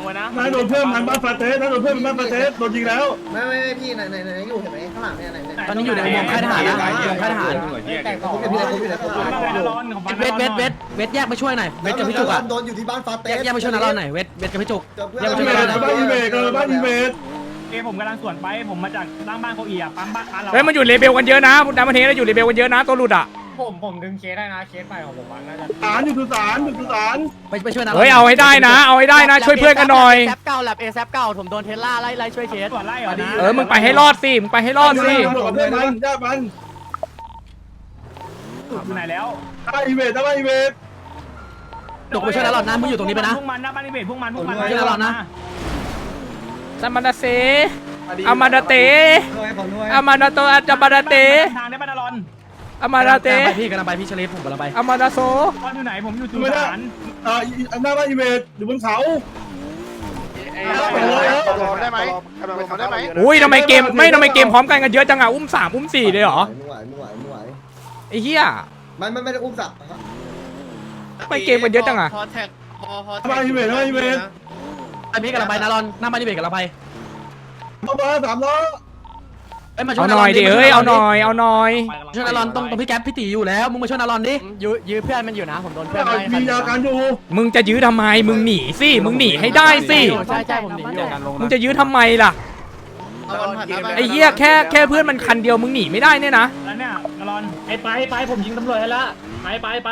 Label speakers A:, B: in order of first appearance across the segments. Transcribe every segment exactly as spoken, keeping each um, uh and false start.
A: ไว้นะ
B: นายโดนเพื่อนมันบ้านฟาเตสนายโดนเพื่อนมันบ้านฟาเตสโดนยิงแล้ว
C: ไม่ไม่ไม่พี่ไหนไหนไหนอยู่เห็นไหมข้างหลังเนี่ยไหนไหน
D: ตอนนี้อยู่ในอุโมงค์ค่ายทหารนะอุโมงค์ค่ายทหาร
C: แต่ผมอยู่ไหนผมอยู่ไหนผมอยู่ไหน
D: เวทเวทเวทเวทแยกไปช่วยหน่อยเวทกับพี่จุกอะ
C: โดนอยู่ที่บ้านฟาเต
D: แย
C: ส
D: กแยกไปช่วยนาเราหน่อยเวทเวทกับพี่จุกแยกไป
B: อี
D: ช่วย
B: เว
D: นา
B: ท
D: เราหน่อย
B: บ้านอีเวทบ้านอีเวท
A: เอ้ผมกำลังสวนไปผมมาจากล่างบ้านเขาเอียปั๊มบ้านเรา
E: เฮ้ยมันอยู่เลเบลกันเยอะนะพุทธมันเทแล้วอยู่เลเบลกันเยอะนะตัวหลุดอ่ะ
A: ผมผมดึงเคสได้นะเคสใหม่ของผมน่าจะ
B: สารอยู่สุสานอยู่สุสาน
D: ไปไปช่วยนาเรา
E: เฮ้ยเอาให้ได้นะเอาให้ได้นะช่วยเพื่อนกันหน่อย
D: แซปเก่าแลบเอแซปเก่าผมโดนเทสลาไล่ไล่ช่วยเคส
A: สวนไล่เหรอนะ
E: เออมึงไปให้รอดสิมึงไปให้รอดสิ
B: ตำรวจกับเพื่อนมันญาติมัน
A: อยู่ไหนแล้ว
B: บ้านอีเวทบ้านอีเวท
D: จุกไปช่วยนาเรานะมึงอยู่ตรงนี้ไปนะ
A: พวกมันนะบ้านนี้เบทพวกมันพวกมัน
D: ช่วยนาเรานะ
E: ซามาดาเซอามาดาเตอามาดาโตอาจามาดาเต
A: ทางได้บ้านอรอน
E: อามาดาเต
D: กำลังไปพี่กำลังไปพี่ชลิฟผมกำลังไป
E: อามาดาโซ
A: ตอนอยู่ไหนผมอยู่สุ
B: ไม่ได้
A: สาน
B: อ่าหน้าบ้านอีเวทอยู่บนเขา
F: ได้ไหมได้ไหม
E: อุ้ยทำไมเกมไม่ทำไมเกมพร้อมกันกันเยอะจังอ่ะอุ้มสามอุ้มสี่เลยเหรอ
C: ไม่ไหวไม่ไหวไม่ไหว
E: ไอ้เหี้ย
C: ไม่ไม่ไม่ได้อุ้มสับ
E: ทำไมเกมกันเยอะจังอ่ะ
B: บ้านอีเวทบ้านอีเวท
D: ไอพี่กำลังไปนาเราหน้าบ้านนี่เบรกกำลังไป
B: เข้ามาสามล้อ
D: เอ้ยมาช่ว
E: เอา
D: ย
E: หน่อยดิเอ้ยเอาหน่อยเอาหน่อย
D: ช่วยนาเราตรงตรงพี่แก๊ปพี่ตีอยู่แล้วมึงมาช่วยนาเราดิยื้อยื้อเพื่อนมันอยู่นะผมโดนเพื่อนไล่
B: มียาการอยู่
E: มึงจะยื้อทำไมมึงหนีสิมึงหนีให้ได้สิ
D: ใช่ใช่ผมหนีอยู่
E: มึงจะยื้อทำไมล่ะไอ้เหี้ยแค่แค่เพื่อนมันคันเดียวมึงหนีไม่ได้เนี่ยนะ
A: แล้วเนี่ยอรอน
G: ไอ้ไปไปผมยิงตำรวจให้ละไปไปไป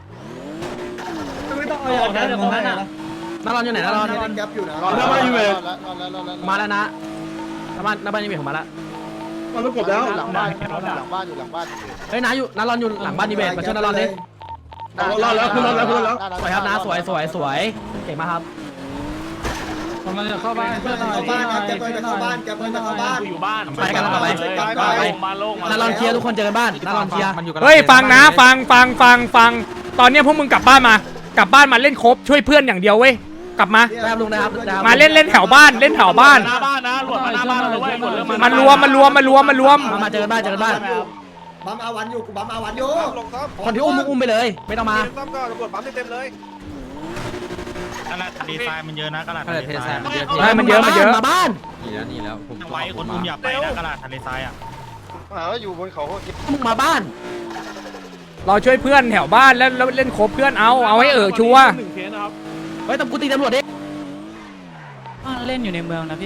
G: ไม่ต้องเอาออกนะเดี๋ยวตรงนั้นอ่ะ
D: นาเราอยู่ไหนนาเรา
C: แก๊ปอยู่นะ
B: หน้าบ้านอีเวท
D: มาแล้วนะหน้าบ้านหน้าบ้านนี่เบรกผมมาแล้ว
B: มันต้องกดแล้ว
F: หลังบ้านหลังบ้านอยู่หลังบ้าน
D: เฮ้ยนาอยู่นาเราอยู่หลังบ้านนี่เบรกมาช่วยนาเราดิ
B: รอดแล้วคุณรอดแล้วคุณรอดแล้ว
D: สวยครับนะสวยสวยสวยเก่งมากครับ
G: ผมมันจะเข้าบ้านเพื่อนหน่อย
C: เข้าบ้านแก๊ปจะเข้าบ้านแก๊ปจะเข้าบ้าน
A: อยู่บ้าน
D: ไปกันแล้วไปไปนาเราเคลียร์ทุกคนเจอกันบ้านนาเราเคลียร์
E: เฮ้ยฟังนะฟังฟังฟังฟังตอนเนี้ยพวกมึงกลับบ้านมากลับบ้านมาเล่นครบช่วยเพื่อนอย่างเดียวเว้ยกลับมา
D: ได้ครับลุงนะครับ
E: มาเล่นเล่นแถวบ้านเล่นแถวบ้าน
A: หน้าบ้านนะหลวดมาหน้าบ้านเลยเว้ยหลวดเริ่ม
E: มันรวมมันรวมมันรวมมันรวม
D: มามาเจอกันบ้านเจอกันบ้าน
C: บัมอาวันอยู่กูบัมอาวันอยู่
D: คนที่อุ้มมึงอุ้มไปเลยไม่ต้องมา
F: ซ้ำก็ตำรวจปั๊มเต็มเลย
A: กระดาษดีไซน์มันเยอะนะกระดาษดีไซน์
E: ใช่มันเยอะมันเยอะ
D: มาบ้าน
A: ไว้คนอุ้มอย่าไปนะกระดาษทะเลทรายอ่ะ
F: หาว่าอยู่บนเขาก็คิด
D: มึงมาบ้าน
E: เราช่วยเพื่อนแถวบ้านแล้วแล้วเล่นครบเพื่อนเอาเอาให้เออชัวร์
D: เฮ้ยตำกูตีตำรวจดิ
G: เล่นอยู่ในเมืองนะพี่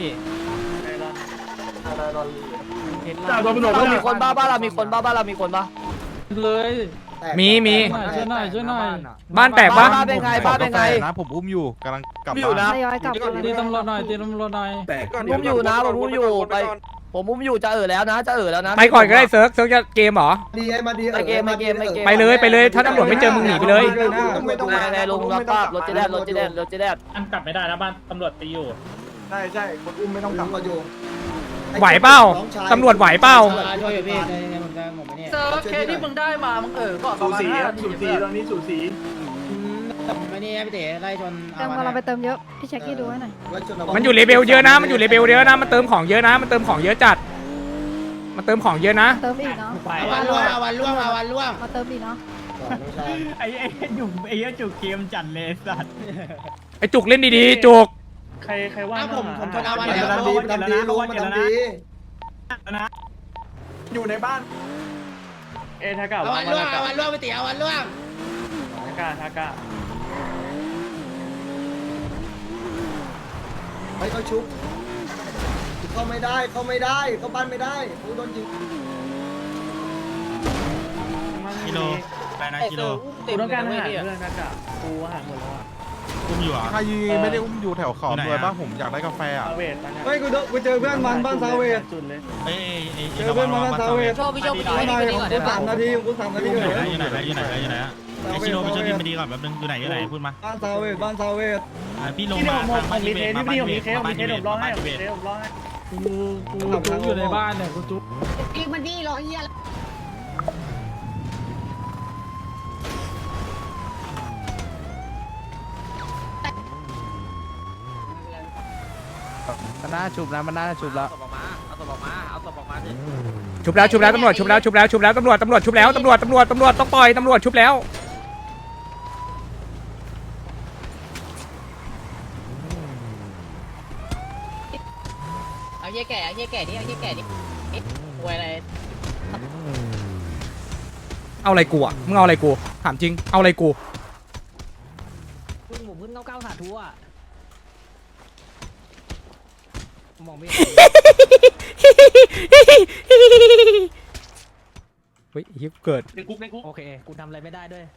B: จ่าโดนตำรวจ
G: เรา
B: แล้ว
G: มีคนบ้าบ้าเรามีคนบ้าบ้าเรามีคนบ้าเลย
E: มีมี
G: ช่วยหน่อยช่วยหน่อย
E: บ้านแตกปะ
G: บ้าเป็นไงบ้าเป็นไง
H: นะผมอุ้มอยู่กำลังกลับ
G: อยู่นะ
I: ทยอยกลับ
G: ตีตำรวจหน่อยตีตำรวจหน่อย
F: ผมอุ้มอยู่นะผมอุ้มอยู่ไป
G: ผมอุ้มอยู่จะเออแล้วนะจะเออแล้วนะ
E: ไปก่อนก็ได้เซิร์ฟเซิร์ฟจะเกมเหรอ
C: ดีไอ้มาดี
E: ไปเลยไปเลยถ้าตำรวจไม่เจอมึงหนีไปเลย
C: ไม่ต้อง
G: ไงลุงรับทราบรถจะแดดรถจะแดดรถจะแดด
A: อันกลับไม่ได้นะบ้านตำรวจตีอยู่
F: ใช่ใช่คนอุ้มไม่ต้องกลับ
C: มาอยู่
E: ไหวเปล่าตำรวจไหวเปล่า
G: ช่วยอยู่พี่ในผมจะผมไม่เนี่ยเจอเคที่มึงได้มามึงเออก็ประมาณห้าที
B: สูสีตอนนี้สูสี
G: ไม่นี่พี่เต๋ไล่ชน
I: เติมกำลังไปเติมเยอะ พี่แช็คกี้ดูให้หน่อย
E: มันอยู่เลเบลเยอะนะมันอยู่เลเบลเยอะนะมันเติมของเยอะนะมันเติมของเยอะจัดมันเติมของเยอะนะ
I: เติมอีกเนาะ
G: อาวันล่วงอาวันล่วงอาวันล่วง
I: มาเติมอีกเนาะ
A: ไอ้ไอ้จุกไอ้จุกเกมจัดเลยสัตว์
E: ไอจุกเล่นดีๆจุก
A: ใครใครว่า
G: ผมผมชนอาวัน
C: มัน
G: แล้ว
C: ทำดีมันทำดีลุงมันทำดี
A: นะ
F: อยู่ในบ้าน
A: เอทากา
G: อาวันล่วงอาวันล่วงพี่เต๋อาวันล่วง
A: ทากาทากา
C: ไปเขาชุบเข้าไม่ได้เข้าไม่ได้เข้าบ้านไม่ได้กูโดนยิง
A: กิโลไปนะกิโล
G: กูต้องการหาเพื่อน
A: กูหาหมดแล้วอ่ะอุ้มอยู่อ่ะ
H: ใครไม่ได้อุ้มอยู่แถวเขาด้วยป่ะผมอยากได้กาแฟอ่ะ
A: เวท
G: เฮ้ยกูกูเจอเพื่อนมันบ้านซาเวท
A: จุดเลยเอ้ย
G: เจอเพื่อนมันบ้านซาเวท
A: ชอบพี่ชอบ
G: ไม่ได้กูสามนาทีกูสามนาที
A: อยู่
G: เลย
A: ไหนอยู่ไหนอยู่ไหนอยู่ไหนไอชิโร่ไปช่วยทีมมาดีก่อนแป๊บนึงอยู่ไหนอยู่ไหนพูดมา
G: บ้านซาเวทบ้านซาเวท
A: พี่ลงมาทางบ้านเวทมาบ้านเวทมาบ้านเวทมาบ้านเวท
G: กูกูจุ๊บอยู่ในบ้านเนี่ยกูจุ๊บ
I: อีกมันดีรอเฮีย
H: มันน่าชุบนะมันน่าชุบแล้ว
E: ชุบแล้วชุบแล้วตำรวจชุบแล้วชุบแล้วชุบแล้วตำรวจตำรวจชุบแล้วตำรวจตำรวจตำรวจต้องปล่อยตำรวจชุบแล้ว
G: เอาเฮียแก่เอาเฮียแก่ดิเอาเฮียแก่ดิรวยอะไร
E: เอาอะไรกูอ่ะมึงเอาอะไรกูถามจริงเอาอะไรกู
D: พึ่งหมูพึ่งเก้าเก้าสาธุอ่ะมองไม่
E: เฮ้ยฮิปเกิด
B: ในคุกในคุก
D: โอเคกูทำอะไรไม่ได้ด้วย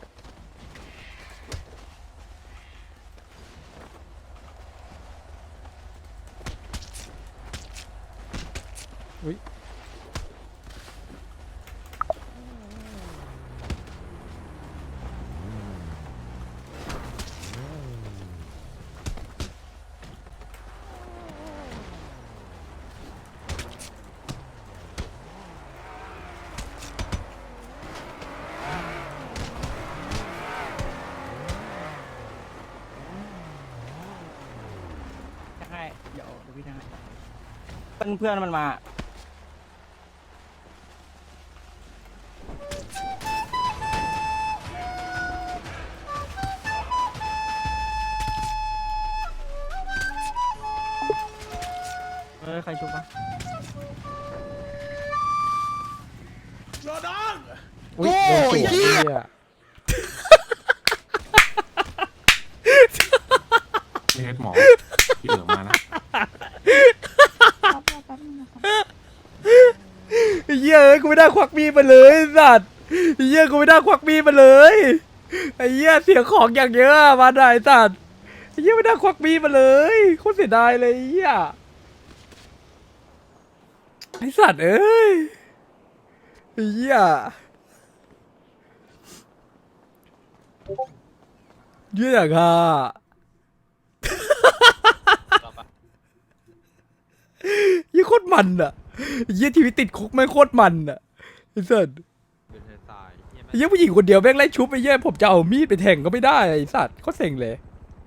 A: ใช่เดี๋ยวเดี๋ยวพี่ทำให้เพื่อนเพื่อนมันมาเออใครชุบปะ
E: อุ้ยโดนสวนเหี้ย
H: เฮ็ดหมอที่เหลือมานะ
E: เหี้ยเอ้ยกูไม่ได้ควักมีดมาเลยไอ้สัตว์เหี้ยกูไม่ได้ควักมีดมาเลยไอ้เหี้ยเสียของอย่างเยอะอะมาได้ไอ้สัตว์ไอ้เหี้ยไม่ได้ควักมีดมาเลยโคตรเสียดายเลยไอ้เหี้ยไอ้สัตว์เอ้ยไอ้เหี้ยเหี้ยอย่างอ่ะเหี้ยโคตรมันอ่ะเหี้ยชีวิตติดคุกไม่งโคตรมันอ่ะไอ้สัตว์ไอ้เหี้ยผู้หญิงคนเดียวแม่งไล่ชุบไอ้เหี้ยผมจะเอามีดไปแทงก็ไม่ได้ไอ้สัตว์โคตรเซ็งเลย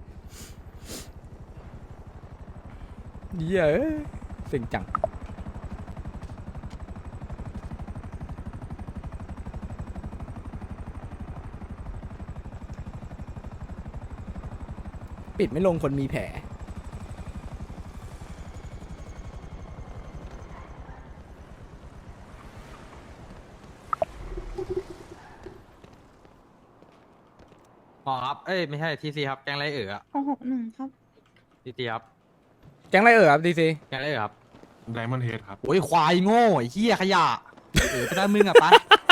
E: เหี้ยเอ้ยเซ็งจังปิดไม่ลงคนมีแผล
H: หมอครับเอ้ยไม่ใช่ทีซีครับแกงไรเอ๋ออะ
I: หกหนึ่งครับ
H: ทีซีครับ
E: แก๊งอะไรเอ่ยครับดีซี
H: แกงไรเอ๋อครับ
F: ไดมอนด์เฮดครับ
H: โอ้ยควายโง่ไอ้เหี้ยขยะเออไปได้มึงอะไป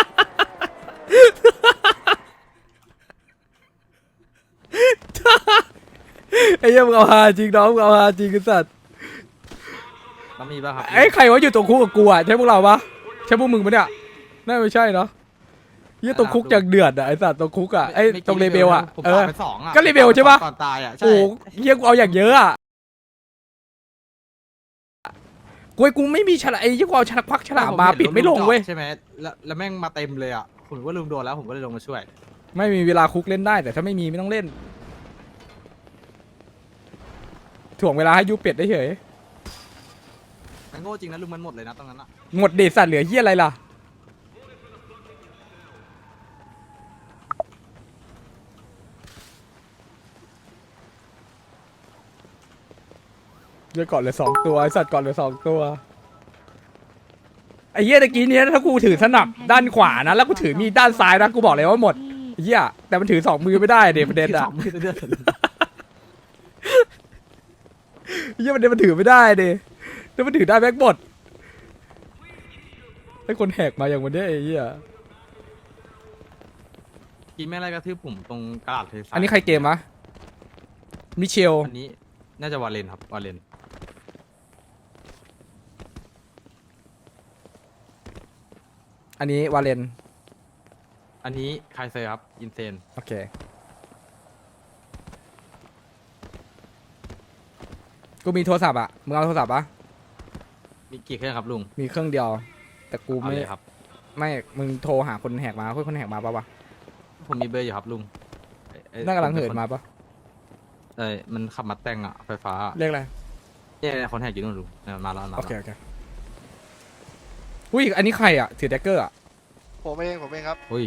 E: ไอ้เหี้ยมึงเอาฮาจริงน้องมึงเอาฮาจริงไอ้สัตว์
H: แล้วมีป่ะครับ
E: ไอ้ใครวะอยู่ตรงคุกกับกูอ่ะใช่พวกเราปะใช่พวกมึงปะเนี่ยน่าไม่ใช่เนาะเหี้ยตรงคุกอย่างเดือดอ่ะไอ้สัตว์ตรงคุกอ่ะไอ้ตรงเลเบลอ่ะ
H: ผม
E: เอ
H: ปา
E: อ
H: ดไปสองอะ
E: ก็เลเบลใช่ปะ
H: ก่อนตายอะใช่
E: โอ้เหี้ยกูเอาอย่างเยอะอ่ะกูไอ้กูไม่มีฉลามไอ้เหี้ยกูเอาฉลามควักฉลามมาปิดไม่ลงเว้ย
H: ใช่ไหมแล้วแล้วแม่งมาเต็มเลยอะผมว่าลืมโดนแล้วผมก็เลยลงมาช่วย
E: ไม่มีเวลาคุกเล่นได้แต่ถ้าไม่มีไม่ต้องเล่นถ่วงเวลาให้ยูเป็ดได้เฉย
H: มันโง่จริงนะลุงมันหมดเลยนะตรงนั้นอะ
E: หมดเดชสัตว์เหลือเหี้ยอะไรล่ะเดี๋ยวก่อนเหลือสองตัวไอสัตว์ก่อนเหลือสองตัวไอ้เหี้ยตะกี้เนี้ยถ้ากูถือสนับด้านขวานะแล้วกูถือมีดด้านซ้ายนะกูบอกเลยว่าหมดไอ้เหี้ยแต่มันถือสองมือไม่ได้เด็ประเด็นอะไอ้เหี้ยประเด็นมันถือไม่ได้เด็แต่มันถือได้แบ็คบอดไอ้คนแหกมาอย่างวันเนี้ยไอ้เหี้ย
H: กินแม่งอะไรกระทืบผมตรงกระดาษเท
E: อันนี้ใครเกมวะมิเชล
H: อันนี้น่าจะวาเลนครับวาเลน
E: อันนี้วาเลน
H: อันนี้ไคเซอร์ครับอินเซน
E: โอเคกูมีโทรศัพท์อะมึงเอาโทรศัพท์ปะ
H: มีกี่เครื่องครับลุง
E: มีเครื่องเดียว แต่กู
H: เอา
E: ไม่
H: เลยครับ
E: ไม่มึงโทรหาคนแหกมาคุยคนแหกมาปะวะ
H: ผมมีเบอร์อยู่ครับลุงเอ้ยเอ้ย
E: น่ากำลังเหินมาปะ
H: เอ้ยมันขับมาแต่งอะไฟฟ้า
E: เรียกอะไร
H: เนี่ยคนแหกอยู่นู่นลุงเนี่ยมาแล้วมา
E: โอ
H: แล้ว
E: เคโอเคอุ้ยอันนี้ใครอะถือแดกเกอร์อะ
F: ผมเองผมเองครับ
H: อุ้ย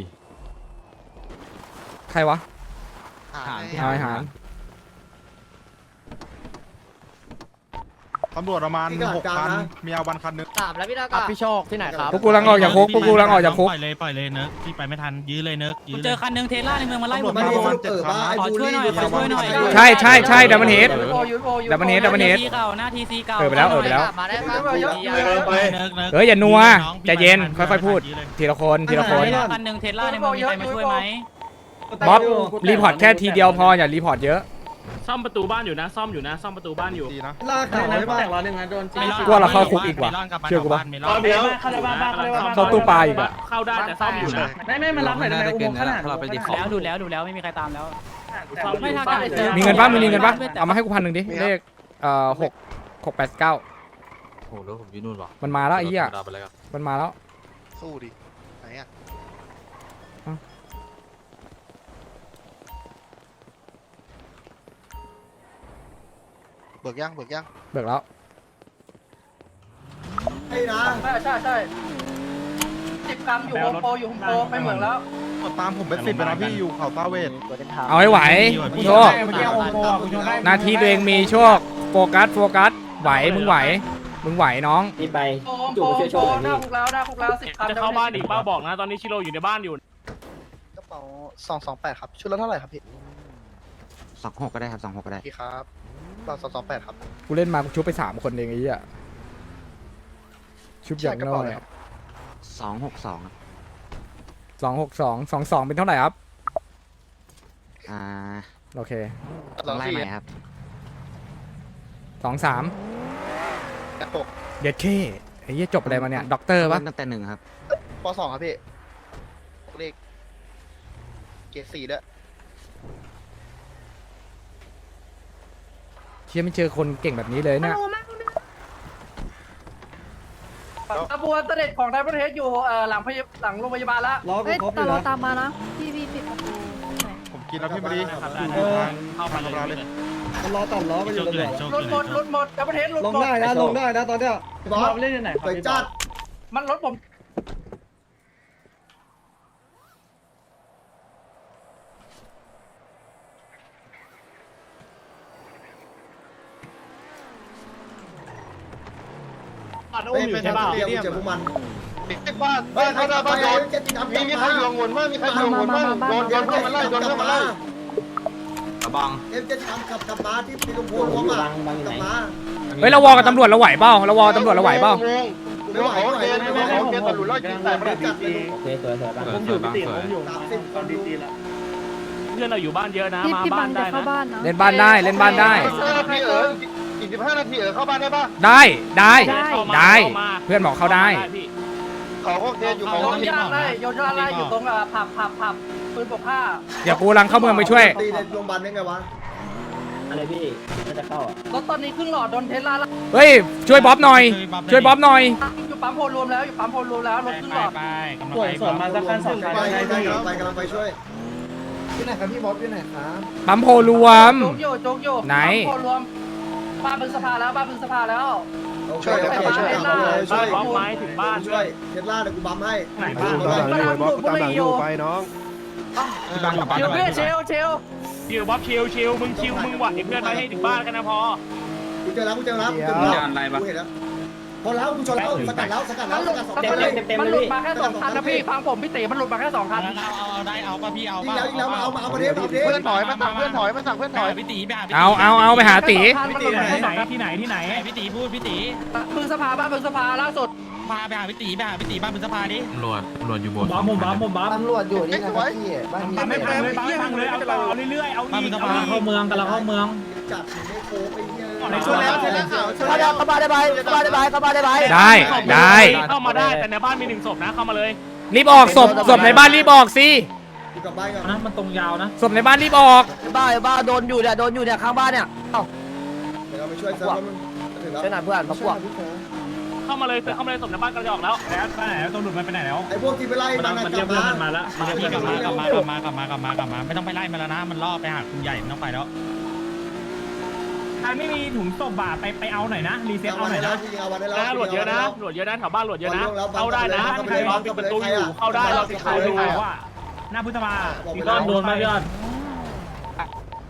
E: ใครวะ
F: หา
H: หาร
F: ให้
E: หายหาร
F: ตำรวจประมาณหกคันมีอาวันคันนึง
G: สามแล้วพี่ตากาพี่โชคที่ไหนครับ
E: พวกกูกำลังออกจากคุกพวกกูกำลังออกจากคุก
A: ปล่อยเลยปล่อยเลยเนิร์กพี่ไปไม่ทันยื้อเลยเนิร์กยื้อ
D: เจอคันหนึ่งเทสลาในเมืองมาไล่ผม
C: ไม่ได้สรุปเออบ้าไอ้บูลลี่
D: ขอช่วยหน่อยขอช่วยหน่อย
E: ใช่ใช่ใช่ดับเบิลเฮด
G: โอยูโอยู
E: ดับเบิลเฮดดับเบิลเฮด
D: ทีเก่าหน้าทีซีเก่า
E: เออไปแล้วเออไปแล้ว
G: มาได้ครับ
B: ไป
A: เนิร์กเนิร์ก
E: เฮ้ยอย่านัวใจเย็นค่อยๆพูดทีละคนทีละคน
D: คันหนึ่งเทสลาในเมืองมีใครมาช่วยไหม
E: บ๊อบรีพอร์ตแค่ทีเดียวพออย่ารีพอร์ตเยอะ
A: ซ่อมประตูบ้านอยู่นะซ่อมอยู่นะซ่อมประตูบ้านอยู่
F: ดีนะ
C: ลากเขาได้ป่ะ
E: กลัวเราเข้าคุกอีกว่ะเชื่อกูปะ
A: รอบเดียวเข้าได้บ้านเข้าได้บ้าน
E: เข้าตู้ปลาอีกอะ
A: เข้าได้แต่ซ่อมอยู่นะ
H: ไม่ไม่มารับหน่อยได้ไหมอุโมงค์ขนาดเราไปดิ
D: แล้วดูแล้วดูแล้วไม่มีใครตามแล้ว
A: ไม่ทัน
E: มีเงินปะมีเงินปะเอามาให้กูพันหนึ่งดิเลขเอ่อหกหกแปดเก้า
H: โอ้โหแล้วผมยืนนู่นวะ
E: มันมาแล้วไอ้เหี้ย
H: ไปเลยครับ
E: มันมาแล้ว
F: สู้ดิไหนอ่ะเบิกยังเบิกยัง
E: เบิกแล้ว
C: ไอ้นะ
G: ใช่ใช่ใช่สิบกรัมอยู่โฮมโปรอยู่โฮมโปรไปเหมืองแล้ว
F: ตามผมเป็นสิบไปนะพี่อยู่เขาตาเวท
E: เอาให้ไหวโชคหน้าที่ตัวเองมีโชคโฟกัสโฟกัสไหวมึงไหวมึงไหวน้อง
G: โฮมโปรโปรหน้าคุกแล้วหน้าคุกแล้วสิบกรัม
A: จะเข้าบ้านอีกป้าบอกนะตอนนี้ชิโร่อยู่ในบ้านอยู่
F: กระเป๋าสองสองแปดครับชุดละเท่าไหร่ครับพี่
H: สองหกก็ได้ครับสองหกก็ได้
F: พี่ครับเราสองสองแปดครับ
E: กูเล่นมากูชุบไปสามคนเองไอ้เหี้ยชุบอย่างน้อย
H: สองหกสอง
E: สองหกสองสองสองเป็นเท่าไหร่ครับ
H: อ่า
E: โอเค
H: ต้องไล่ใหม่ครับ
E: สองสาม
F: กระปก
E: เย็ดเข้ไอ้เหี้ยจบอะไรมาเนี่ยด็อกเตอร์ปะ
H: ตั้งแต่หนึ่งครับ
F: ปสองครับพี่เลขเกรดสี่ด้วย
E: เชี่ยไม่เจอคนเก่งแบบนี้เลยเนี่ย
G: ขบวนเสด็จของไทยประเทศอยู่เอ่อหลังพยาหลังโรงพยาบาลแล้ว
C: รอกู
I: เฮ้ย
C: ครบอ
I: ตาม
C: ยู่
I: เรา
C: นะ
I: ตามมานะพี่พี่ปิดประตูหน่อย
F: ผมกินแล้วพี่มาดี
A: ครับ
F: เออ
A: เข้ามาเลย
C: มันรอตัดล้อไปอยู่ตำรวจ
G: รถหมดรถหมดไทยประเทศรถ
C: ลง
G: หมด
C: ได้นะลงได้นะตอนเนี้ยบอสเล่นยังไงไปจัด
G: มันรถผม
A: บ้านอุ้มอยู่ใช่ป่ะ
C: เดี๋ยวเจอพวกมัน
F: บ้าน
C: เฮ้
F: บ้าย น
C: ใคร
F: บ้าน
C: ไป
F: บ้านโดน
C: เจ็ดติดน้ำ
F: มีมีใครอยู่งวนมั้ยมีใครอยู่งวนมั้ยโดนโดนเพื่อนมาไล่โดนเพื่อนมาไล่
H: กระบัง
C: เอ็มจะทำกับกับมาที่ปีกพูรวมอ่ะกับมา
E: เฮ้ยเราวอกับตำรวจเราไหวเปล่าเราวอกับตำรวจเราไหวเปล่า
F: เดี๋ยวเขาเกณฑ์เดี๋ยวเขาเกณฑ์ตำรวจไล่ยิงแต่ประเด็น
C: จัดเลย
H: ผมอยู่พิติผมอยู่
C: สามสิบคนดีๆละ
A: เพื่อนเราอยู่บ้านเยอะนะ
I: พี่
A: มา
I: พี่
A: บ้า
I: บั
A: น
I: ง
A: ได้
I: จะเข้า
A: นะ
I: บ้านนะ
E: เล่นบ้านได้เล่นบ้านได้
F: ห้านาทีเอออีกสิบห้านาทีเออเข้าบ้านได้ป่ะ
E: ได้ได้
I: ได้
E: ได้เพื่อนบอกเข้าได้
A: พี่
F: เขาก็เกณฑ์อยู่เขา
G: โยนยางไล่โยนยางไล่อยู่ตรงอ่ะผับผับผับปืนปกผ้า
E: เดี๋ยวกูกำลังเข้าเมืองไปช่วย
C: ตีในโรงพยาบาลได้ไงวะ
G: รถตอนนี้ครึ่งหลอดโดนเทสลาแล้ว
E: เฮ้ยช่วยบ๊อบหน่อย ช่วยบ๊อบหน่อย
G: อยู่ปั๊มโพรวมแล้วอยู่ปั๊มโพรวมแล้วรถครึ่งหลอด
A: ไปกำลังไปส่วนมาสักคันสองคัน
C: ไปไปไปกำลังไปช่วยที่ไหนครับพี่บอสที่ไหนครับ
E: ปั๊มโพรวม
G: โจ๊กโยโจ๊กโย
E: ไหน
G: ปั๊มโพรวมบ้านบึงสภาแล้วบ้านบึงสภาแล้ว
C: ช่วยช่วยช่วยช่วย
A: บ้านไม้ถึงบ้าน
C: ช่วยเทสลาเดี๋ยวกูบัมให้
A: ไหนบ้าน
G: มาทำบุกบุรีอยู่
F: น้อง
G: เดี๋ยวเพื่อนเชลเชล
A: ชิวบ๊อบชิวชิวมึงชิวมึงหวัดเพื่อนไปให้ถึงบ้านกันนะพอ
C: กูเจอแล้วกูเจอแล้วกูเจอแล้วกูเห็นแล้วพอแล้วกูชนแล้วสกัดแล้วสกัดแล้วสกัดสองคนเลย
G: มันหลุดมาแค่สองคันนะพี่ฟังผมพี่เต๋มันหลุดมาแค่สองคัน
A: เอาเอาได้เอาป่ะพี่เอา
C: ยิง
A: ป่ะ
C: แล้วยิงแล้วมาเอามาเอาประเทศประเทศ
F: เพื่อนถอยมาสั่งเพื่อนถอยมาสั่งเพื่อนถอย
A: พี่ตีไปหา
E: เอาเอาเอาไปหาตี
A: พี่ตีที่ไหนที่ไหนที่ไหนพี่ตีพูดพี่ตี
G: บึงสภาบ้านบึงสภาล่าสุด
A: พาไปหาพี่ตีไปหาพี่ตีบ้านเป็นสภาดิ
H: ตำรวจตำรวจอยู่บน
A: บ้ามุมบ้ามุมบ้า
C: ตำรวจอยู่นี่นะครับพี่บ้านนี้
A: ไม่พังเลยไม่พังเลยเอาต่อเรื่อยๆเอาอีกเอาอีกเข้าเมืองกันแล้วเข้าเมือง
C: จัดไม่โค้งไอ้เหี้ย
A: ช่วยแล้วช่วยแล้ว
C: ช่วยแล้วเข้ามาได้ไหมเข้ามาได้ไหมเข้ามาได้ไหม
E: ได้ได้
A: เข้ามาได้แต่ในบ้านมีหนึ่งศพนะเข้ามาเลย
E: รีบออกศพศพในบ้านรีบออกสิ
C: กูกลับบ้านก่อน
A: นะมันตรงยาวนะ
E: ศพในบ้านรีบออก
D: บ้าบ้าโดนอยู่เนี่ยโดนอยู่เนี่ยข้างบ้านเนี่ยเอ้า
C: เดี๋ยวเราไปช่วยเซิร์ฟมันถึงแล้ว
D: ช่วยหน่อยเพื่อนมาพวก
A: เข้ามาเลยเข้ามาเลยศพในบ้านกระจอกแล้วแล้วไปไหนแล้วตำรวจมันไปไหนแล้ว
C: ไอ้พวกที่ไปไล่มันกลับมา
A: มาแล้วมากลับมากลับมากลับมากลับมากลับมากลับมาไม่ต้องไปไล่มันแล้วนะมันล่อไปหาคุณใหญ่ไม่ต้องไปแล้วใครไม่มีถุงศพบาไปไปเอาหน่อยนะรีเซ็ตเอาหน่อยนะ
C: เอาวันได้แล้ว
A: นะหลวดเยอะนะหลวดเยอะนะแถวบ้านหลวดเยอะนะเข้าได้นะใครรอปิดประตูอยู่เข้าได้เราติดเขาดูว่าหน้าพุทธมาพี่ต้นโดนมายอด
F: ใ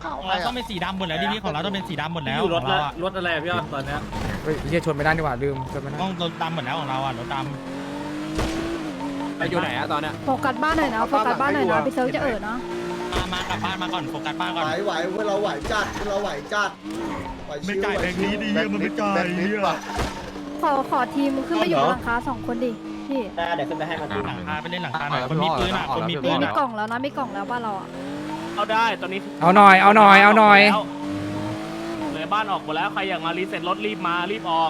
F: ขาวใคร
A: เราต้อ
F: อ่ะ
A: งเป็นสีดำหมดแล้วดีพีของเราต้องเป็นสีดำหมดแล้ว
B: อยู่รถ
A: ของ
B: ละ
A: เราอะ
B: รถอะไรพี่อ้อนตอนเนี้ย
E: เฮ้ยเฮียชนไม่ได้นี่หว่าลืมชนไม่ได้
A: ต้องรถดำหมดแล้วของเราอ่ะรถด
D: ไปอยู่ไหนอะตอนเนี้ย
I: โฟกัสบ้านหน่อยนะโฟกัสบ้านหน่อยนะพี่เซิร์ฟจะเอ่อเนาะ
A: ำมามากลับบ้านมาก่อนโฟกัสบ้านก่อน
C: ไหวไหวพวกเราไหวจัดพวกเราไหวจัดไหวชิวไหวชิว
F: แบงค์นิดแบงค์นิดป่ะ
I: ขอขอทีมขึ้นไปอยู่บนหลังคาสองคนดิพี่
A: หลังคาไปเล่นหลังคาหน่อยคนมีปืนอ่ะคนมีปื
I: มี
A: น
I: มี
A: อ่ะ
I: กล่องแล้วนะมีกล่องแล้วบ้านเราอ่ะ
A: เอาได้ตอนนี้
E: เอาหน่อยเอาหน่อยเอาหน่อย
A: เลยบ้านออกหมดแล้วใครอยากมารีเซ็ตรถรีบมารีบออก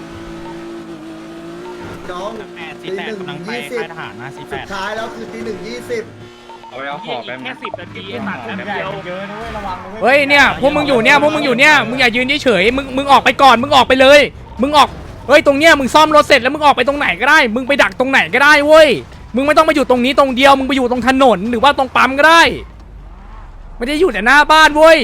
C: น้อง
A: แปดสี่แปดกำลังไปค่ายทหารนะสี่แป
C: สุ
A: ด
C: ดท้ายแล้วคือตีหนึ่งยี่สิบ
H: เอาไปเอาขอบไป
A: แค่สิบนาทีไอ้สัตว์แป๊บเดียวเยอะนะเว้ยระวังนะ
E: เฮ้ยเนี่ยพวกมึงอยู่เนี่ยพวกมึงอยู่เนี่ยมึงอย่ายืนเฉยๆมึงมึงออกไปก่อนมึงออกไปเลยมึงออกเฮ้ยตรงเนี้ยมึงซ่อมรถเสร็จแล้วมึงออกไปตรงไหนก็ได้ มึงไปดักตรงไหนก็ได้เว้ยมึงไม่ต้องมาอยู่ตรงนี้ตรงเดียวมึงไปอยู่ตรงถนนหรือว่าตรงปั๊มก็ได้ไม่ได้อยู่แต่หน้าบ้านเว้ย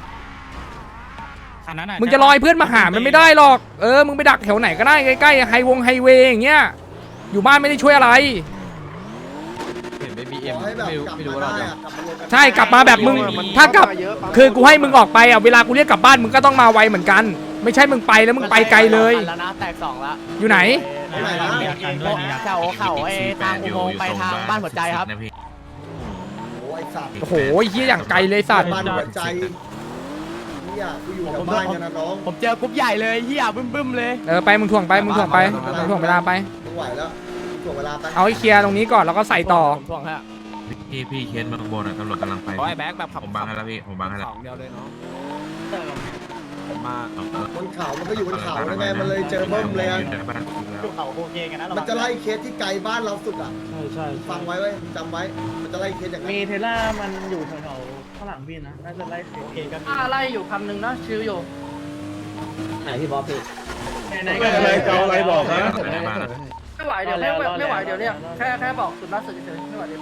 E: มึงจะรอให้เพื่อนมาหามันไม่ได้หรอกเออมึงไปดักแถวไหนก็ได้ใกล้ๆไฮวงไฮเวย์อย่างเงี้ยอยู่บ้านไม่ได้ช่วยอะไร
H: เห็นไปบีเอ็
C: ข
H: ม
C: อให้แบบ
H: ไม่รู้
C: กลับ
H: ไม่รู้
C: มา
H: ว่าเรา
C: ได้
H: จะ
C: อะกลับมารวมกัน
E: ใช่กลับมาแบบมึงถ้ากลับคือกูให้มึงออกไปอ่ะเวลากูเรียกกลับบ้านมึงก็ต้องมาไวเหมือนกัน ไม่ใช่มึงไปแล้วมึงไปไกลเลย
D: แล้วนะแตกสองละ
E: อยู่ไหน
D: แถวเขาไอ้ทางอุโมงค์ไปทางบ้านหัวใจครับ
C: โอ้ยสัตว์
E: โอ้โหเฮียอย่างไกลเลยสัตว์
C: บ้านหัวใจเนี่ยกูอยู่แถวบ้านกันนะน้อง
D: ผมเจอกรุ๊ปใหญ่เลยเฮียบึ้มบึ้มๆเลย
E: เออไปมึงถ่วงไปมึงถ่วงไปมึงถ่วงเวลาไป
C: มึงไหวแล้วถ่วงเวลาไป
E: เอาให้เคลียร์ตรงนี้ก่อนแล้วก็ใส่ต่อ
D: ผมทวงฮะ
H: พี่พี่เคสเมืองบนอ่ะตำรวจกำลังไป
D: โอ้ยแบ็คแบบขับ
H: ผมบังให้แล้วพี่ผมบังให้แล้ว
D: สองเดียวเลยเนาะผมมา
C: บนเขามันก็อยู่บนเขาแล้วไงมันเลยเจอเบิ้มเลยอะ
A: ภูเขาโอเคกันนะ
C: มันจะไล่เคสที่ไกลบ้านเราสุดอ่ะ
B: ใช่ใช่
C: ฟังไว้ไว้จำไว้ มันจะไล่เคสอย่างนั้น
B: มีเทล่ามันอยู่แถวๆข้างหลังพี่นะน่าจะไล่โอเคกัน
G: อะไรอยู่คำหนึ่งนะชิวอยู่
B: ไหนก็อะไรเจ้าอะไรบอกนะ
G: ไม่ไหวเดี๋ยวไม่ไม่ไหวเดี๋ยวเรียกแค่แค่บอกสุดล่าสุดเฉยๆไม่ไหวเดี๋ยว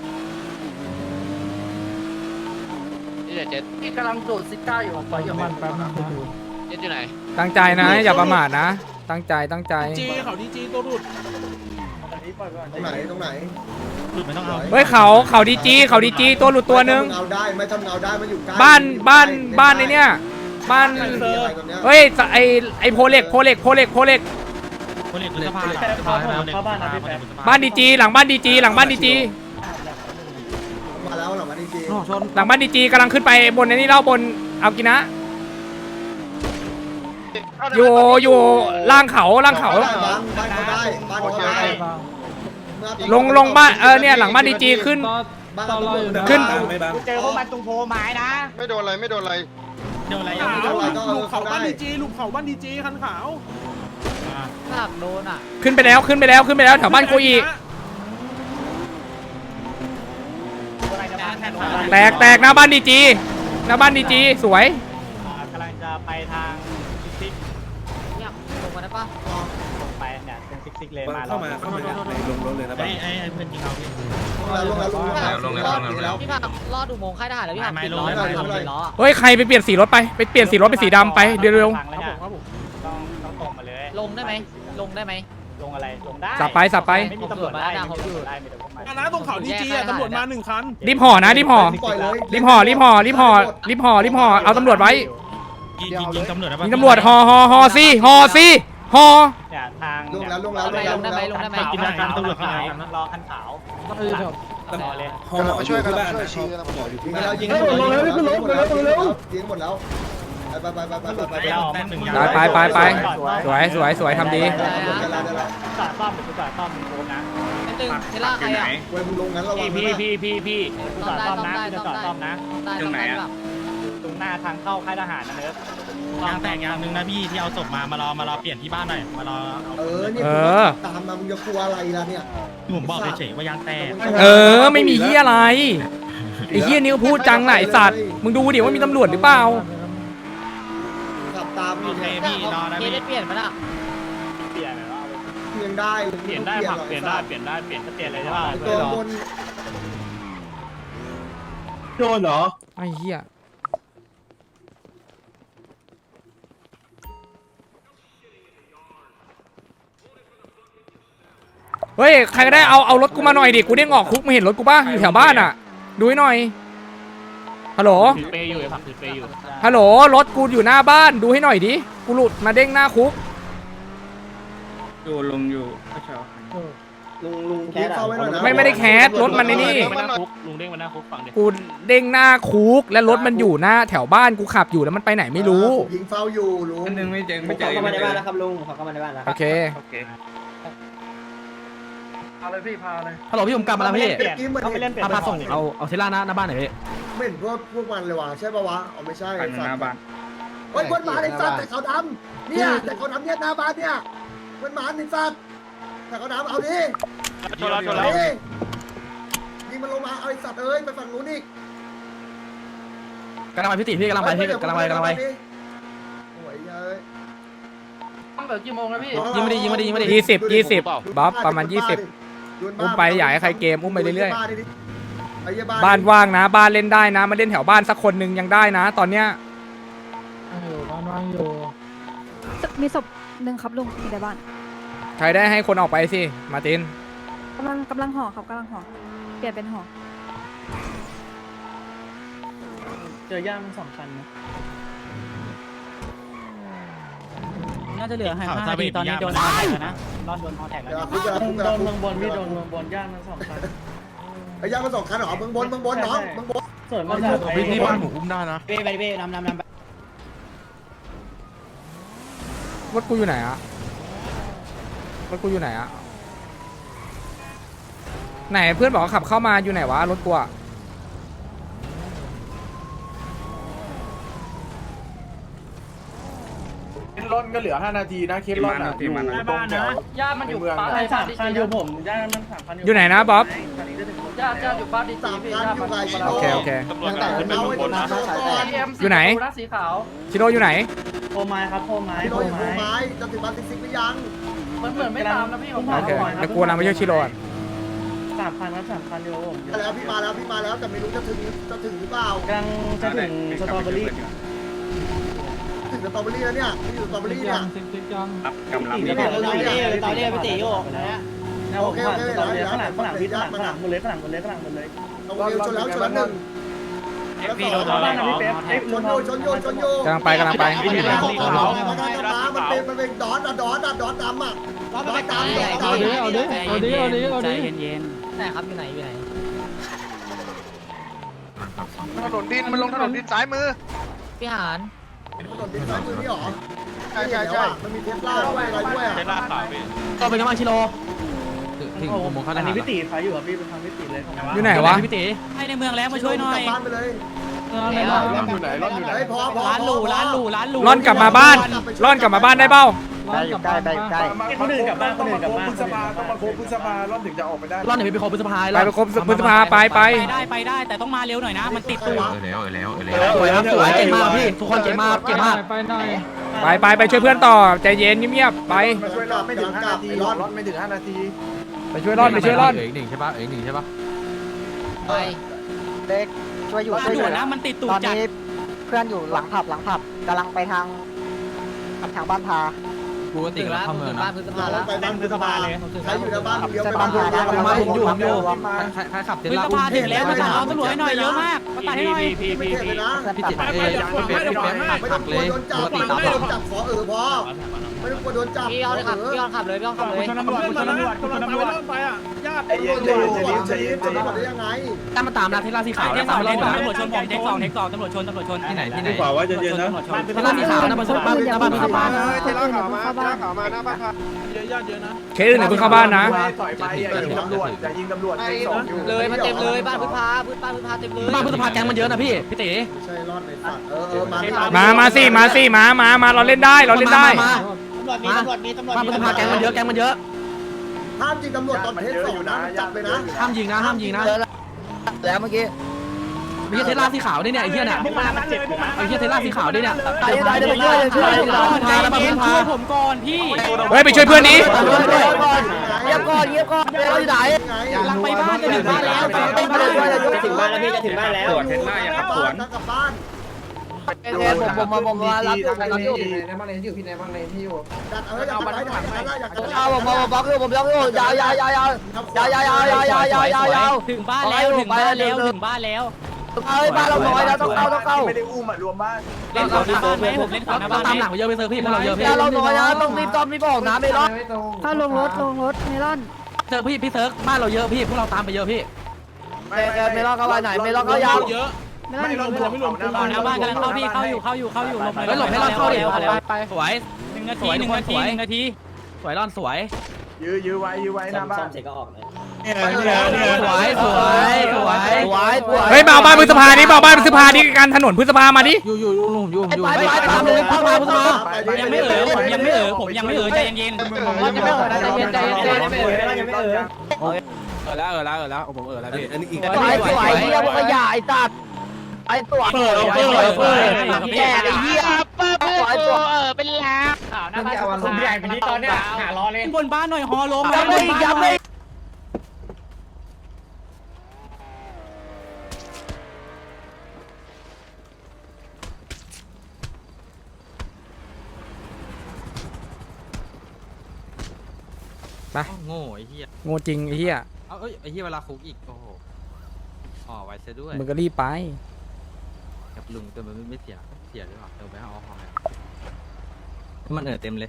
F: นี่เจ็ด
G: พี่กำลังดูดซิก้าอยู่ปล่อยอยู่
B: มันแป๊บนึง
F: เจ็ดอยู่ไหน
E: ตั้งใจนะอย่าประมาทนะ ตั้งใจตั้งใจ
B: จีเขาดีจีตัวรุด
C: ตรงไหนตรงไหน
A: หลุดไม่ต้องเอา
E: เฮ้ยเขาเขาดีจีเขาดีจีตัวหลุดตัวหนึ่ง
C: ไม่ทำเงาได้ไม่ทำเงาได้มันอยู่ใกล้
E: บ้านบ้านบ้านในเนี้ยบ้าน
C: ไม่มีอะไรตรงเนี้ย
E: เฮ้ยไอไอโพเล็กโพเล็กโพเล็กโพเล็ก
A: คนเล็กสภาเข้าบ้านนะพี่แป๊บ
E: บ้านดีจีหลังบ้านดีจีหลังบ้านดีจี
C: มาแล้วเหรอมาดีจี
E: หลังบ้านดีจีกำลังขึ้นไปบนในนี้เล่าบนเอากินะ อยู่อยู่ล่างเขาล่างเขา
C: บ้านบ้านเขาได้บ้านเขาได้
E: ลงลงบ้านเออเนี่ยหลังบ้านดีจีขึ้น
C: บ้านเขาต้องลง
E: ขึ้น
A: เจอพวกมันตรงโพไม้นะ
F: ไม่โดนอะไรไม่โดนอะไร
A: เดี๋ยวอะไร
C: ขาวลูกเขาบ้านดีจี
B: ลูกเขาบ้านดีจีคันขาว
D: หนักโดนอ่ะ
E: ขึ้นไปแล้วขึ้นไปแล้วขึ้นไปแล้วแถวบ้านโคอีแตกแตกหน้าบ้านดีจีหน้าบ้านดีจีสวย
A: กำลังจะไปทางซิกซิก
D: เนี่ยลงมาได้ปะ
A: ลงไปเนี่ยเป็นซิกซิกเลยมา
B: เข้ามาเข้ามาในลงรถเลยนะ
A: ไอ้ไอ้เพื่อนจริงเอาพี่
C: ลงแล้วลงแล้วลงแล้วลงแล้ว
D: พี่ผักรอดอุโมงค์ค่ายทหารแล้วพี่ผัก
A: ไม่
D: ปิด
A: ลง
D: ล้อ
A: ไม่ลง
D: ทำเลยล้อ
E: เฮ้ยใครไปเปลี่ยนสีรถไปไปเปลี่ยนสีรถเป็นสีดำไปเร็ว
A: ต้องต้องตรงมาเลย
D: ลงได้ไหมลงได้ไหม
A: ลงอะไรลงได้
E: ๆสับไปสับไป
A: ไม่มีตำรวจได้ไม่มีตำรวจได้มีแต่พวกมัน
B: นะตรงเขาดีจีอ่ะตำรวจมาหนึ่งคัน
E: รีบห่อนะรีบห่อ
C: ปล่อยเลย
E: รีบห่อรีบห่อรีบห่อรีบห่อรีบห่อเอาตำรวจไว้
A: ยิงยิงยิงตำรวจได้ปะ
E: ยิงตำรวจห่อห่อห่อสิห่อสิห่อ
A: เนี่ยทาง
C: ลงแล้วลงแล้วลงแล้ว
D: ลงได้ไหมลงได้ไหม
A: กินทางตำรวจขาวรอคันขาวรอเลย
F: กำลังมาช่วยกันช่วยชี้กัน
C: ยิงแล้วยิงหมดแล้วยิงหมดแล้วยิงหมดแล้วไปไปไปไปไปไป
A: ไปเอาแม่หนึ่งยาง
E: ไปไปไปไปสวยสวยสวยทำดี
A: จอดซ่อมหรือจอดซ่อมมึงโค้งนะ
D: นิดนึงเทล่าใครอ่ะ
C: เว้ยมึงลงงั้นระวัง
A: พี่
C: นะ
A: พี่พี่พี่พี่จอดซ่อมนะจะจอดซ่อมนะ
D: ได้ตรงไหนอ่ะ
A: ตรงหน้าทางเข้าค่ายทหารนะเนิร์ดยางแตกยางหนึ่งนะพี่ที่เอาศพมามารอมารอเปลี่ยนที่บ้านหน่อยมารอเอา
C: เออเนี่ยตามมามึงจะกลัวอะไรล่ะเนี่ย
A: ผมบอกเฉยๆว่ายางแตก
E: เออไม่มีเฮียอะไรไอ้เฮียนี่ก็พูดจังไหนะไอ้สัตว์มึงดูดิว่ามีตำรวจหรือเปล่า
C: ขับตาม
A: โอ
C: อยู่
A: เค
C: เนี่ย
A: พี่รอนะ
D: เค
A: พี่
D: ได้เปลี่ยนไหมล่ะ
A: เปลี่ยนเลยว่า
C: เปลี่ยนได้
A: เปลี่ยนได้ผักเปลี่ยนได้เปลี่ยนได้เปลี่ยนก็เปลี่ยนเลยใช่ป่ะ
C: ตัวบน
B: โดนเหรอ
E: ไอ้เฮียเฮ้ยใครก็ได้เอาเอารถกูมาหน่อยดิกูเด้งออกคุกมาเห็นรถกูป่ะอยู่แถวบ้านอ่ะดูให้หน่อยฮัลโหล
A: ถือเปย์อยู่ไอ้ผักถือเปย์อยู่
E: ฮัลโหลรถกูอยู่หน้าบ้านดูให้หน่อยดิกูหลุดมาเด้งหน้าคุก
B: อยู่ลงอยู่เช้า
C: ลุงลุงแคสเอาไว้หน่อยนะ
E: ไม่ไม่ได้แคสรถมันในนี่
A: ลุงเด้งมาหน้าคุกฝั่งเด็ก
E: กูเด้งหน้าคุกและรถมันอยู่หน้าแถวบ้านกูขับอยู่แล้วมันไปไหนไม่รู้
C: ยิงเฝ้าอยู่ลุง
B: อันนึงไม่เจอไม่เจอ
F: เข้ามาในบ้านแล้วครับลุงเข้ามาในบ้านแล้ว
E: โอเค
B: โอเค
G: พาเลยพี่พาเลย
D: ฮัลโหลพี่ผมกลับมาแล้วพี่
C: เมื่อกี้เหมือน
A: เขาไป
C: เห็น
A: เล่นเปลี่ย
D: พาน พาส่งเอาเอาเทล่าหน้าหน้าบ้านหน่อยพี่
C: ไม่เห็นพวกพวกมันเลยว่ะใช่ปะวะอ๋อไม่ใช่
B: ฝั่งหน้าบ้าน
C: เฮ้ยคนหมาในสัตว์แต่เขาดำเนี่ยแต่เขาดำเนี่ยหน้าบ้านเนี่ยคนหมาในสัตว์แต่เขาดำเอาดิ
A: ชนแล้วชน
C: เอา
A: แล้ว
C: ดิยิงมันลงมาเอาไอ้สัตว์เอ้ยไปฝั่งนู้นอีก
D: กำลังไปพี่ติพี่กำลังไปพี่กำลังไปกำลังไป
C: โอ้ยเอ้ย
G: ต้องเหลือกี่โมงนะพี่
D: ยิงไม่ดียิงไม่ดียิงไม่ดี
E: ยี่สิบยี่สิบบ๊อบประมาณยี่สิบอุ้มไปอย่าให้ใครเกมอุ้มไปเรื่อย
C: ๆไอ้เหี้ย
E: ๆบ้านว่างนะ บ้านเล่นได้นะมาเล่นแถวบ้านสักคนหนึ่งยังได้นะ ตอนเนี้ย
I: มีศพหนึ่งครับลุงอยู่ในบ้าน
E: ใครได้ให้คนออกไปสิมาร์ติน
I: กำลังกำลังห่อครับกำลังห่อเปลี่ยนเป็นห่อ
G: เจอย่างสองคันนะ
A: น่าจะเหลือให้ห้านาทีตอนนี้โดนฮอแท็กแล้วนะรอดโดนฮอแท็กแล้ว
C: เดี๋ยวคุกเดี๋ยวคุกเดี๋
G: โด
C: ยวน คุ
G: เมือก งบนพี่โดน
C: เมื
G: เมื
C: อ
G: อง งบนย่างมันสองคัน
C: ไอ้ย่างมาสองคันเหรอเมืองบนเมืองบนน้องเมืองบน
G: ส่วนมาจาก
H: พี่ที่บ้านผมอุ้มได้นะ
F: เป้ไปเป้นำนำนำ
E: รถกูอยู่ไหนอะรถกูอยู่ไหนอะไหนเพื่อนบอกว่าขับเข้ามาอยู่ไหนวะรถกูอะ
J: เคสร่อนก็เหลือห้านาทีนะเคสร่อนอ่ะอยู่ตรงแถว
G: ย่ามันอยู่บ้านสามคันอยู่ผมย่ามันสามคันอยู่
E: อยู่ไหนนะบ๊อบ
G: ย่าย่าอยู่บ้านดีจี
C: สาม
G: พี่
C: คัน
G: ย่า
C: อยู่
G: มัน
C: ไกลชิโ
E: โอเคโอเค
C: ยังแต่เอาไว้ตรงนั้นก่อน
E: อยู่ไหน
G: สีขาว
E: ชิโร่อยู่ไหน
G: โคไม้ครับโคไม้
C: ชิ
G: โค
C: โร่อยู่โค
G: ไม้
C: ไม้จะถึงบ้านซิกซิกหรือยัง
G: มันเหมือนไม่ตามนะพี่ผม
E: โอเคเดี๋ยวกูนำไปช่วยชิโร่ก่อน
G: สามคันครับสามคันอยู่
C: มาแล้วพี่มาแล้วพี่มาแล้วแต่ไม่รู้จะถึงจะถึงหรือเปล่าก
G: ำลังจะถึงสตรอเบอรี่
C: ถึงสตรอเบอรี่แล้วเนี่ยพี่อยู่สตรอเบอรี่เนี่ย
B: กำลัง
F: ตอนนี้ตอนนี้พี่ตีโยกนะฮะ
G: นะผมผ่านสตรอเบอรี่ข้างหลังข้างหลังพี่ข้างหลังข้างหลังหมดเลยข้างหลังหมดเลยข้างหลังหมดเลย
C: เอาเร็วชนแล้วชนแล้วหนึ่งแล้วสอง
G: เข้าบ้านนะพี่เป๊ปเอ้ย
C: ช
G: ลุ
C: น
G: ง
C: โยชนโยชนโย
E: กำลังไปกำลังไป
C: มันเป็นมันเป็นดอนอะดอนอะดอนดำอะดอนดำดอนดำ
F: เอาดิเอาดิเอาดิเอาดิเอาดิ
A: ใจเย็น
D: ไหนครับอยู่ไหนอยู่ไหน
F: ถนนดินมันลงถนนดินซ้ายมือ
D: พี่หาน
C: ถนนดินซ้ายมือนี่หรอใช่ใช่ใช่มันมีเทสลาด้วยอะไรด้วยอะ
A: เทล่าขาวพี่
D: ก็เป็นกำลังชิโร่
H: ถึงอุโมงค์เข้า
G: อั
H: ท
G: น
H: หา
G: นี้
H: ร
G: พี่ตีขายอยู่อ่ะพี่เป็นทางพี่ตีเลย
E: อยู่ไหนวะ
D: พี่ติ
A: ให้ในเมืองแล้วมาช่วยหน่อย
C: กลับบ้านไปเลย
J: ร่อนอยู่ไหนร่อนอยู่ไหน
C: เฮ้ยพอพอ
A: ร้านหรูร้านหรูร้านหรู
E: ร่อนกลับมาบ้านร่อนกลับมาบ้านได้เปล่า
F: ได้อยู่ใกล้ได้อยู่ใกล้
G: คนอื่นกลับบ้านคนอื่นกลับบ้าน
J: พฤษภาต้องมาโค้งพฤษภาร่อนถึงจะออกไปได้
D: ร่อนเดี๋ยวไปโคพฤษภา
E: ไปไปครบพฤษภาไปไป
A: ไปได้ไปได้แต่ต้องมาเร็วหน่อยนะมันติดตูด
H: เออแล้วเออแล้วเออแล้ว
D: สวยครับสวยเก่งมากพี่ทุกคนเก่งมากเก่งมาก
E: ไปไปไปช่วยเพื่อนต่อใจเย็นเงียบๆไป
J: มาช่วยร่อนไม่ถึงห้านาทีร่อนไม่ถึงห้านาที
E: ไปช่วยร่อนไปช่วยร่อน
H: เอีกหนึ่งใช่ปะเอีกหนึ่งใช่ปะ
F: ไปเด็กช่วยอยู่
A: มา
F: ช่วยอ
A: ด่ว
F: ยู่
A: นนะมันติดตู
F: ต
A: ด
F: อน
A: จัด
F: นี้เพื่อนอยู่หลังผับหลังผับกำลังไปทางทางบ้านพา
H: กูก็ติดแล้วเข้าเมืองนะ
C: ไปบ้านพฤษภาเลยใครอยู่ในบ้านเลี้ยวไป
F: บ้า
C: บ้าน น
F: พา
C: เลี้ยวไปบ้าน
D: ผมอยู่ผมอยู่
H: ใครใครขับเท
A: พฤ
H: ล่า
A: ษภาถึงแล้วมาตัดเอาตำรวจให้หน่อยเยอะมากมาตัดให้หน่อย
C: ไม่เทเลยนะ
H: พี่ติดเอ้ยพี่เป๊ปพี่เป๊ป
C: ไม่
H: หั
C: ต้อง
H: ก
C: ก
H: เล
C: ลัวย โดนจั
H: ป
C: บ
H: กติ
C: ไม่
H: ตาม
C: ต้องโดนจับขอเออพอไม่ต้องกลัวโดนจับ
F: พี่เอาเลยครับพี่เอาขับเลยพี่เอาขับเลย
A: ชนตำรวจชนตำรวจชนตำรวจ
J: ไอ้เย็น
C: โด
J: เย็
C: น
J: น
C: จั
J: เย็น
C: บ
J: เย็น
C: จะ
J: เย็น
C: ได้ยังไง
D: ตามมาตามนะเทล่าสีขาว
A: เท
D: นะ
A: คส
D: ตา
A: อ
D: ม
A: ง
D: มา
A: เท
D: ล่อ
A: ค
D: น
A: สอง
D: นะ
A: ตำรวจชนผมเทคสองเทคสองตำรวจชนตำรวจชน
H: ที่ไหนที่ไหน
J: ขวาว่าจะเย็นนะ
D: เทล่าสีขาวนะบนสุดบ้านหน้าบ้านพฤษภา
I: คนอื่นอย่าเพิ่งเข้าบ้าน
E: เคสอื่นไหนเพิ่งเข้าบ้านนะ
J: ถอยไปอย่ายิงตำรวจอย่ายิงตำรวจเป็นสองอยู่
F: เลยมันเต็มเลยบ้านพื้นพาพื้นบ้านพื้นพาเต็มเลย
D: บ้านพฤษภาแก๊งมันเยอะนะพี่พี่ติ
C: ไม่ใช่รอดในสัตว์เออเออมา
E: มามาสิมาสิมามามาเราเล่นได้เราเล่นได้
D: มา
F: ตำรวจมีตำรวจมีตำรวจ
D: บ้านพฤษภาแก๊งมันเยอะแก๊งมันเยอะ
C: ห้ามยิงตำรวจตอนเทสสองนะจับเลยนะ
D: ห้ามยิงนะห้ามยิงนะ
F: แล้วเมื่อกี้
D: มีเทล่าสีขาวด้วยเนี่ยไอ้เหี้ยเนี่ย
A: พวกมันมันเจ็บพวกมัน
D: ไอ้เหี้ยเทล่าสีขาวด้วยเนี่ย
F: ตายตายเดี๋ยวไปช่วยช่วยช่วย
D: พาแล้วมาพึ่งพา
A: ช่วยผมก่อนพี่
E: เฮ้ยไปช่วยเพื่อนนี้
F: เงียบก่อนเงียบก่อนเราอยู่ไหน
C: ไง
A: หลังไปบ้านจะถึงบ้านแล้ว
F: จะถึงบ้านแล้วพี่จะถึงบ้านแล้ว
B: ตรวจเทสลาอย่าขับสวน
C: กลับบ้าน
F: เออผมผมผมมารับอยู่รับอยู่
C: ดัดเอออยากทำอะไรอยากทำอะไรอยากทำอะไร
F: เอาผมผมบล็อกอยู่ผมบล็อกอยู่ยาวยาวยาวยาวยาวยาวยาวยาวยาวยาวยาว
A: ถึงบ้านแล้วถึงบ้านแล้วถึงบ้านแล้ว
C: ถ
D: เอ้ยบ้านเราน้อยแล้วต้องเข้าต้องเข้า
J: ไม่ได้อุ้มอ่ะรวมบ้าน
A: เล่นขวาหน้าบ้านไหมผมเล่นขวาหน้าบ้าน
D: ตามหลังไปเยอะไปเซอร์พี่พวกเราเยอะพี่เราน้อยนะต้องรีบต้อมรีบออกนะไม่รอด
I: ถ้าลงรถลงรถเมลอน
D: เซอร์พี่พี่เซิร์กบ้านเราเยอะพี่พวกเราตามไปเยอะพี่
J: ไม่ไม่รอดเข้าไปไหนไม่รอด
D: เขายาว
J: เยอะ
I: เมลอน
J: ไม่
I: อยู่
J: รอด
I: ลง
J: รวมไม่รวม
A: ขวาหน้าบ้านกำลังเข้าพี่เข้าอยู่เข้าอยู่เข้าอยู่ลงไป
D: เฮ้ยหลบให้รอดเข้าดิไป
A: สวยหนึ่งนาทีหนึ่งนาทีหนึ่งนาที
D: สวยรอนสวย
J: ยื้อยื้อไว้ยื้อไว้หน้าบ้า
B: ซ่อน มเสร็จก็ออกเลย
D: สวยสวยสวยสวยสวย
E: เฮ้ยมาเอาบ้านพฤษภาดิมาเอาบ้านพฤษภาดิการถนนพฤษภามาดิ
D: อยู่อยู่อยู่อยู่อยู่ไปไปตามเลยเข้ามาพุ่งมา
A: ยังไม่เอ๋อผมยังไม่เอ๋อผมยังไม่เอ๋อใจเย็น
G: ผมว่าจะไม่เออนะใจเย็นใจเย็นใจเย็น
B: ไม่เอ่ยยังไม่เอ่ย
H: เออแล้วเออแล้วเออแล้วผมเออแล้วพี่อันนี้อีก
D: สวยสวยเฮียพวกขยะไอ้ตัดไอ้ตัวเปิดเปิดเปิดแก่ไอ้เหี้ย
G: เปิดเปิดเปิดเออเป็นล้านข่าวหน้าบ้าน
A: ผมใหญ่เป็นนี้ตอนเนี้ยหารอเลยบนบ้านหน่อยฮอลง
D: ย้ำเลยย้ำเลย
E: ไป
H: โง่ไอ้เหี้ย
E: โง่จริงไอ้เหี้ย
H: เอาเอ้ยไอ้เหี้ยเวลาคุกอีกโอ้โหอ๋อไว้ซะด้วย
E: มึงก็รีบไป
H: กับลุงแต่มันไม่เสียเสียหรือเปล่าเดี๋ยวไปเอาออกมาให้มันเออเต็มเลย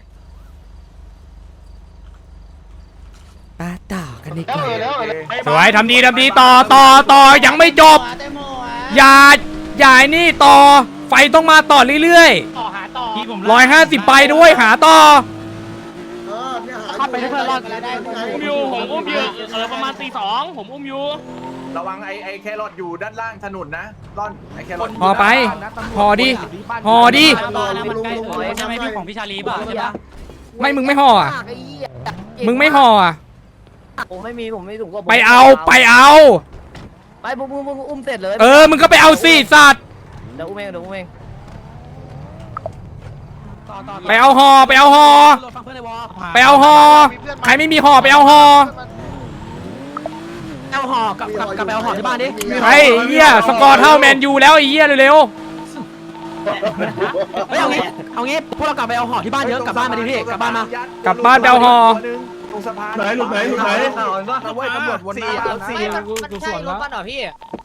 E: ปาต่อกันดีกว่า
J: แล้ว
E: สวยทำดีทำดีต่อต่อต่อยังไม่จบ อย่าอย่าไอ้นี่ต่อไฟต้องมาต่อเรื่อย
A: ต่อหาต่อพี่ผม
E: ๆร้อยห้าสิบไปด้วยหาต่อ
C: เออเนี่ยหา
D: เข้าไปให้เพื่อนรอด
A: อุ้มอยู่ผมอุ้มอยู่เออประมาณตีสองผมอุ้มอยู่
J: ระวังไอ้ไอ้แครอทอยู่ด้านล่างถนนนะร่อนไอ้แครอท
E: พอไปพอดิพอดิ
A: บ้านนะมันใกล้เออใช่ไหมพี่ของพี่ชาลีป่ะใช่ปะ
E: ไม่มึงไม่ห่ออ่ะมึงไม่ห่ออ่ะ
D: ผมไม่มีผมไม่ถุงก็
E: ไปเอาไปเอา
D: ไปบุ้มบุ้มบุ้มอุ้มเสร็จเลย
E: เออมึงก็ไปเอาสิสัตว์
D: เดี๋ยวอุ้มเองเดี๋ยวอุ้มเอง
E: ไปเอาห่อไปเอาห่อไปเอาห่อใครไม่มีห่อไปเอาห่อ
D: เอาห่อกับกับกับไปเอาห่อที่บ้านดิ
E: ไอ้เหี้ยสกอร์เท่าแมนยูแล้วไอ้เหี้ยเร็ว
D: เฮ้ยเอางี้เอางี้พวกเรากลับไปเอาห่อที่บ้านเยอะกลับบ้านมาดิพี่กลับบ้านมา
E: กลับบ้านไปเอาห่อ
J: ตรงสะพาน
B: ไหนหลุดไหนหลุดไหน
J: ตำรวจตำรวจวนหน้าสี่
D: กูสวนแล้วบ้านเหรอพี่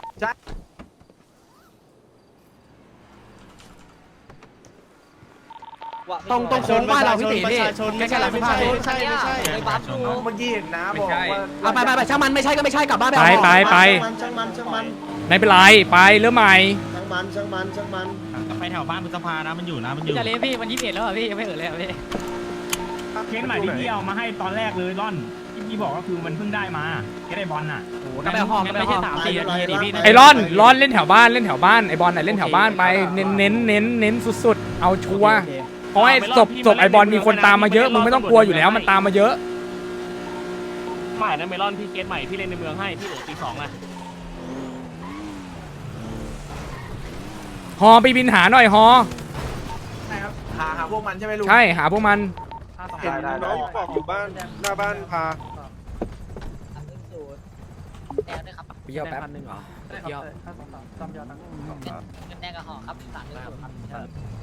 D: ตรงตรงโค้งบ้านเราพี่ตีพี่ใกล้ๆร้านเสื้อผ้าพี่
J: ใช่ไม่ใช่เมื่อกี้เห็นนะบอกว่า
D: เอาไปไปไปช่างมันไม่ใช่ก็ไม่ใช่กลับบ้านไป
E: ไป
D: เอาห่อ
E: ไปไป
C: ช่างมันช่างมัน
E: ไม่เป็นไรไปเริ่มใหม่
C: ช่างมันช่างมันช่างมัน
A: ไปแถวบ้านพุทธภานะมันอยู่นะมันอยู่
D: จะเลี้ยพี่วันยี่สิบเอ็ดแล้วพี่ยังไม่เออเลยพี่
A: เคสใหม่ที่พี่เอามาให้ตอนแรกเลยร่อนที่พี่บอกก็คือมันเพิ่งได้มาเคสไอบอลน่ะ
D: กลับไปเอาห่อกลับไป
A: ไม่
D: เอาห่
A: ใช่
D: อ
A: สามสี่นาทีดิพี่
E: ไอรอนรอนเล่นแถวบ้านเล่นแถวบ้านไอบอลน่ะเล่นแถวบ้านไปเน้นเน้นเน้นเน้นสุดๆเอาชัวร์เพราะไอ้ศพศพไอบอลมีคนตามมาเยอะมึงไม่ต้องกลัวอยู่แล้วมันตามมาเยอะ
A: ใหม่นะเมลอนพี่เคสใหม่พี่เล่นในเมืองให้พี่โหลตีสองนะ
E: ฮอไปบินหาหน่อยฮอ
J: หาหาพวกมันใช่ไหมลุง
E: ใช่หาพวกมัน
J: เห็นน้องบอกอยู่บ้านหน้าบ้านพา
E: เปรี้ยวแป๊บนึงเหรอ
D: เดี๋ยว
G: เงินแดงกับห่อครับสามหนึ่งศูนย์ครับ